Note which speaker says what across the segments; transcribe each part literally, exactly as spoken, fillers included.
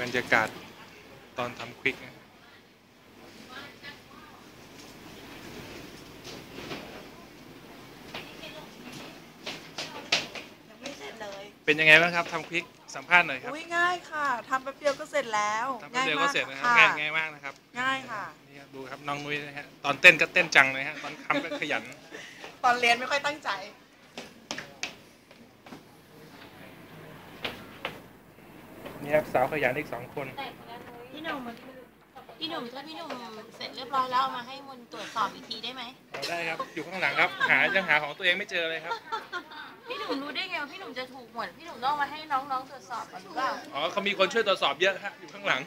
Speaker 1: บรรยากาศตอนทำควิกนะ
Speaker 2: ยังไม่เสร็จเลย
Speaker 1: เป็นยังไงบ้างครับทำควิกสัมภาษณ์หน่อยครับ
Speaker 2: ง่ายค่ะทำแป๊บเดียวก็เสร็จแล้ว
Speaker 1: ทำแป๊บเดียวก็เสร็จนะครับง่ายง่ายมากนะครับ
Speaker 2: ง่ายค่ะ
Speaker 1: นี่ครับดูครับน้องนุ้ยนะฮะตอนเต้นก็เต้นจังเลยฮะตอนทำก็ขยัน
Speaker 2: ตอนเรียนไม่ค่อยตั้งใจ
Speaker 1: นี่ครับสาวขยันอีกสองคน
Speaker 3: พี่หนุ่มพี่หนุ่มถ้าพี่หนุ่มเสร็จเรียบร้อยแล้วเอามาให้มนตรวจสอบอีกทีได้ไหม
Speaker 1: ได้ครับอยู่ข้างหลังครับหายังหาของตัวเองไม่เจอเลยครับ
Speaker 3: พี่หนุ่มรู้ได้ไงว่าพี่หนุ่มจะถูกหมดพี่หนุ่มต้องมาให้น้องๆตรวจสอบก่อนหรือเปล่า
Speaker 1: อ๋อเขามีคนช่วยตรวจสอบเยอะครับอยู่ข้างหลัง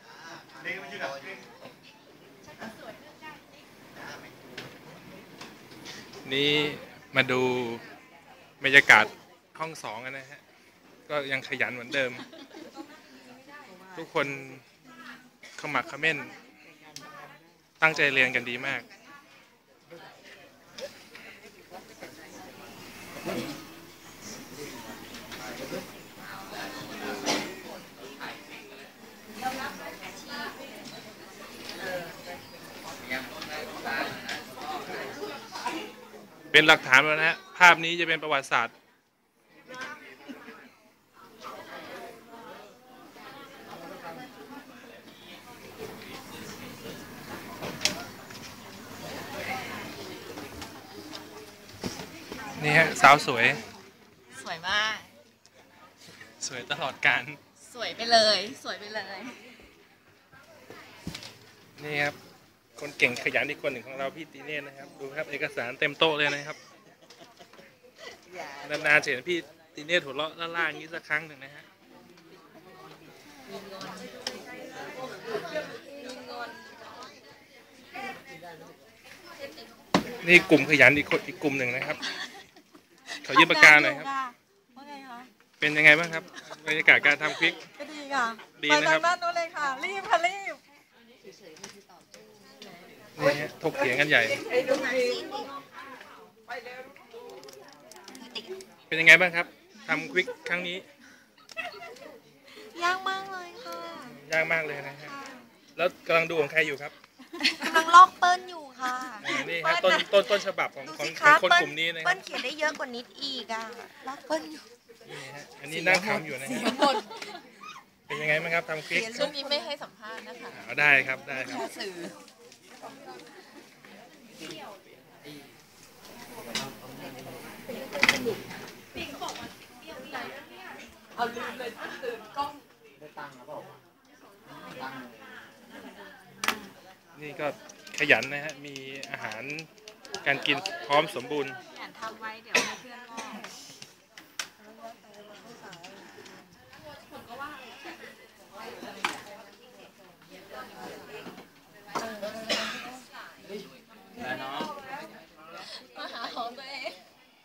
Speaker 1: นี่มาดูบรรยากาศห้องสองกันนะฮะก็ยังขยันเหมือนเดิมทุกคนขมักเขม้นตั้งใจเรียนกันดีมากเป็นหลักฐานแล้วนะฮะภาพนี้จะเป็นประวัติศาสตร์นี่ฮะสาวสวย
Speaker 3: สวยมาก
Speaker 1: สวยตลอดการ
Speaker 3: สวยไปเลยสวยไปเลย
Speaker 1: นี่ครับคนเก่งขยันอีกคนหนึ่งของเราพี่ตีเน่นะครับดูครับเอกสารเต็มโต๊ะเลยนะครับนานๆจะเห็นพี่ตีเน่หัวเราะล่าๆอย่างนี้สักครั้งหนึ่งนะฮะนี่กลุ่มขยันอีกคนอีกกลุ่มหนึ่งนะครับเขายื่นปากกาหน่อยครับเป็นยังไงบ้างครับบรรยากาศการทำควิก
Speaker 2: ก็ดีค่ะ
Speaker 1: ดีนะครับ
Speaker 2: ไปทางด้านโน้นเลยค่ะรีบค่ะรีบ
Speaker 1: นี่ฮะถกเถียงกันใหญ่เป็นยังไงบ้างครับทำควิกครั้งนี้
Speaker 2: ยากมากเลยค่ะ
Speaker 1: ยากมากเลยนะฮะแล้วกำลังดูของใครอยู่ครับ
Speaker 2: กำลังลอกเปิ้ลอยู่ค่ะ
Speaker 1: นี่ครับต้นต้นต้นฉบับของของคนกลุ่มนี้นะ
Speaker 2: เปิ้ลเขียนได้เยอะกว่านิดอีกอ่ะลอกเปิ้ลอยู่
Speaker 1: นี่ฮะอันนี้นั่งขำอยู่นะฮะเป็นยังไงบ้างครับทำคลิป
Speaker 3: ช่วงนี้ไม่ให้สัมภาษณ์นะคะ
Speaker 1: อ๋อได้ครับได้ครับ
Speaker 3: สื่อเอาลืมเลยตื่นกล้องได้ตังค์หรือเปล่า
Speaker 1: นี่ก็ขยันนะฮะมีอาหารการกินพร้อมสมบูรณ์
Speaker 3: ขยันทำไว้เดี๋ยวให้เพื่อนงอกมาหาของตัวเอง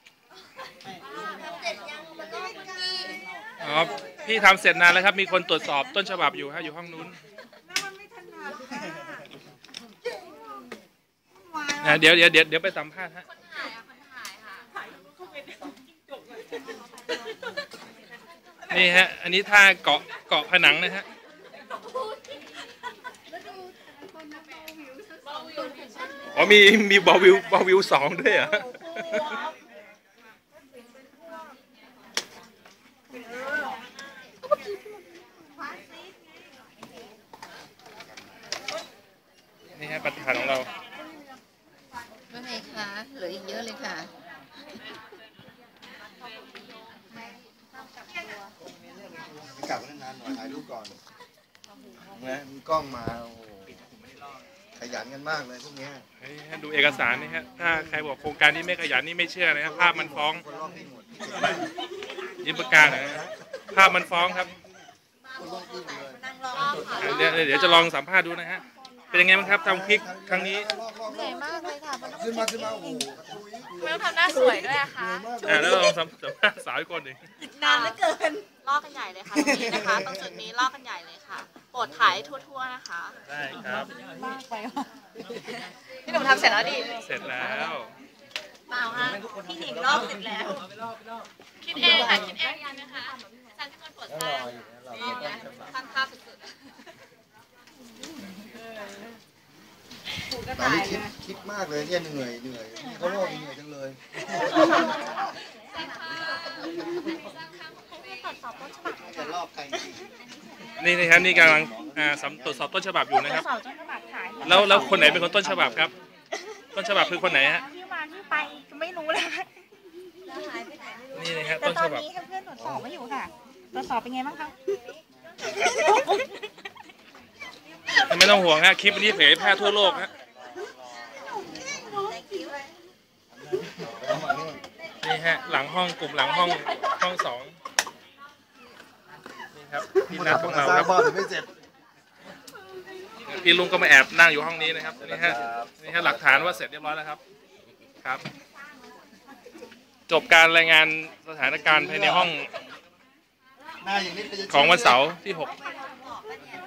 Speaker 1: อ๋อพี่ทำเสร็จนานแล้วครับมีคนตรวจสอบต้นฉบับอยู่ฮะอยู่ห้องนู้นเดี๋ยวเดี๋ยวเดี๋ยวเดี๋ยวไปสัมภาษณ์ฮะนี่ฮะอันนี้ท่าเกาะเกาะผนังนะฮะอ๋อมีมีบอวิวบอวิวสองด้วยเหรอนี่ฮะประธานของเรา
Speaker 3: ว่าไงคะเหลืออีกเยอะเลยค่ะ
Speaker 4: กลับนานๆหน่อยถ่ายรูปก่อนนะมีกล้องมาโอ้ขยันกันมากเลยพวกนี้
Speaker 1: ดูเอกสารนี่ฮะถ้าใครบอกโครงการนี้ไม่ขยันนี่ไม่เชื่อนะครับภาพมันฟ้องยิ้มประกาศนะภาพมันฟ้องครับเดี๋ยวเดี๋ยวจะลองสัมภาษณ์ดูนะฮะเป็นยังไงบ้างครับทำคลิกครั้งนี้
Speaker 3: เหนื่อยมากเลยค่ะมันต้อง
Speaker 4: ขึ้นมาขึ้นมาโอ้โห
Speaker 3: ไม่ต้องทำหน้าสวยด้วยอะค่ะ
Speaker 1: แล้วลองสัมภาษณ์สาวอีกคนหนึ่ง
Speaker 2: นานเหลือเกิน
Speaker 3: ลอกกันใหญ่เลยค่ะตรงนี้นะคะตรงจุดนี้ลอกกันใหญ่เลยค่ะโปรดถ่ายทั่วๆนะคะ
Speaker 1: ได้ครับ
Speaker 2: มากไปว่ะ
Speaker 3: พี่หนุ่มทำเสร็จแล้วดิ
Speaker 1: เสร็จแล้ว
Speaker 3: เปล่าค่ะพี่หนิงลอกเสร็จแล้วคิดเองค่ะคิดเองนะคะอาจารย์ที่คนตรวจสอบนี่ไงทำภาพสุดๆ
Speaker 4: ากเลยเนี่ยเหนื่อยเหนื่อยเขาโลกเหนื่อยจังเลย จะลอกใคร
Speaker 1: นี่นะครับนี่กำลังอ่าสำตรวจสอบต้นฉบับอยู่นะครับ
Speaker 5: สอบต้นฉบับขาย
Speaker 1: แล้วแล้วคนไหนเป็นคนต้นฉบับครับ ต้นฉบับคือคนไหนฮะ
Speaker 5: ที่มาที่ไปไม่รู้เลย
Speaker 1: นี่นะฮะ
Speaker 5: แต่
Speaker 1: ต้น
Speaker 5: ต
Speaker 1: ฉ
Speaker 5: อน
Speaker 1: บับ
Speaker 5: นี้เพื่อนๆตรวจสอบมาอยู่ค่ะตรวจสอบเป็นไงบ้างคะ
Speaker 1: ไม่ต้องห่วงฮะคลิปนี้เผยแพร่ทั่วโลกฮะนี่ฮะหลังห้องกลุ่มหลังห้องห้องสองนี่ครับพี่นัทของเรา
Speaker 4: สร้า
Speaker 1: ค
Speaker 4: ง
Speaker 1: รับ
Speaker 4: บ้านแต่ไม่เสร็จ
Speaker 1: พี่ลุงก็มาแอบนั่งอยู่ห้องนี้นะครับนี่ฮะนี่ฮะหลักฐานว่าเสร็จเรียบร้อยแล้วครับครับ จบการรายงานสถานการณ์ภายในห้อง
Speaker 4: หน้าอย่างนี้เป็น
Speaker 1: ของวันเสาร์ที่หก